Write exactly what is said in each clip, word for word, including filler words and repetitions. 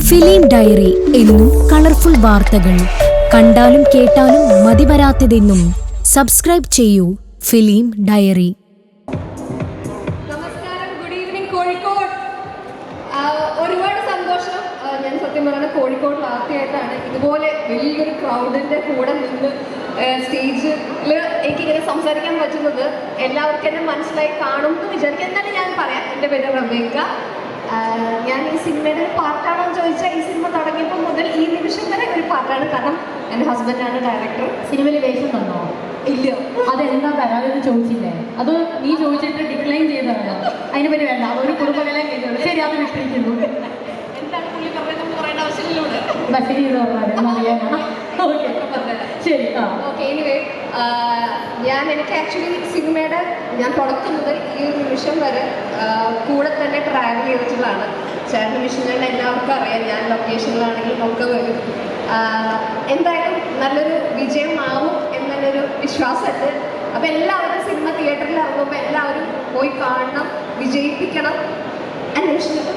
Film diary എന്നും colourful വാർത്തകൾ കണ്ടാലും കേട്ടാലും മതിവരാത്തതെന്നും സബ്സ്ക്രൈബ് ചെയ്യൂ ഫിലിം ഡയറി. നമസ്കാരം, ഗുഡ് ഈവനിങ് കോഴിക്കോട്. ഒരുപാട് സന്തോഷം. ഞാൻ സത്യം പറഞ്ഞാൽ കോഴിക്കോട് ആദ്യമായിട്ടാണ് ഇതുപോലെ വലിയൊരു ക്രൗഡിൻ്റെ കൂടെ നിന്ന് സ്റ്റേജിൽ എനിക്കിങ്ങനെ സംസാരിക്കാൻ പറ്റുന്നത്. എല്ലാവർക്കും എന്നെ മനസ്സിലായി കാണും എന്ന് വിചാരിക്കും. എന്നാലും ഞാൻ പറയാം, എൻ്റെ പേര് റമേക്ക. ഞാൻ ഈ സിനിമയുടെ ഒരു പാർട്ടാണോ എന്ന് ചോദിച്ചാൽ ഈ സിനിമ തുടങ്ങിയപ്പോൾ മുതൽ ഈ നിമിഷം വരെ ഒരു പാർട്ടാണ്. കാരണം എൻ്റെ ഹസ്ബൻഡാണ് ഡയറക്ടർ. സിനിമയിൽ വേഷം തന്നോ? ഇല്ല. അതെന്താ തരാമെന്ന് ചോദിച്ചില്ലേ? അത് നീ ചോദിച്ചിട്ട് ഡിക്ലൈൻ ചെയ്തതാണോ? അതിനെ പറ്റി വേണ്ട, അതൊരു കുടുംബകലം ചെയ്തോളൂ. ശരി, അത് വിട്ടിരിക്കുന്നു. എന്താണ് പുള്ളി പറഞ്ഞത് പറയേണ്ട ആവശ്യമില്ലൂടെ. ബസ്സിന് ചെയ്ത് പറഞ്ഞാൽ അറിയാനാണ്. ഓക്കെ, ശരി. ആ ഓക്കെ. എനിവേ, ഞാൻ എനിക്ക് ആക്ച്വലി സിനിമയുടെ ഞാൻ തുടക്കം മുതൽ ഈ ഒരു നിമിഷം വരെ കൂടെ തന്നെ ട്രാവൽ ചെയ്തിട്ടുള്ളതാണ്. ചേട്ടൻ മിഷനുകളുടെ എല്ലാവർക്കും അറിയാം, ഞാൻ ലൊക്കേഷനിലാണെങ്കിലും ഒക്കെ വരും. എന്തായാലും നല്ലൊരു വിജയമാവും എന്നുള്ളൊരു വിശ്വാസമുണ്ട്. അപ്പോൾ എല്ലാവരും സിനിമ തിയേറ്ററിൽ ഇറങ്ങുമ്പോൾ എല്ലാവരും പോയി കാണണം, വിജയിപ്പിക്കണം. അന്വേഷിക്കണം.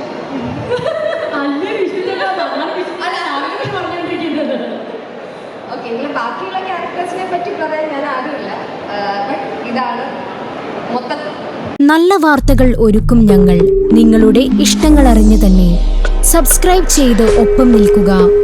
ഓക്കെ, ഇതിൽ ബാക്കിയുള്ള ക്യാരക്ടേഴ്സിനെ പറ്റി പറയാൻ ഞാൻ ആരുമില്ല. ബട്ട് ഇതാണ് മൊത്തത്തിൽ. നല്ല വാർത്തകൾ ഒരുക്കും ഞങ്ങൾ. നിങ്ങളുടെ ഇഷ്ടങ്ങൾ അറിഞ്ഞു തന്നെ സബ്സ്ക്രൈബ് ചെയ്ത് ഒപ്പം നിൽക്കുക.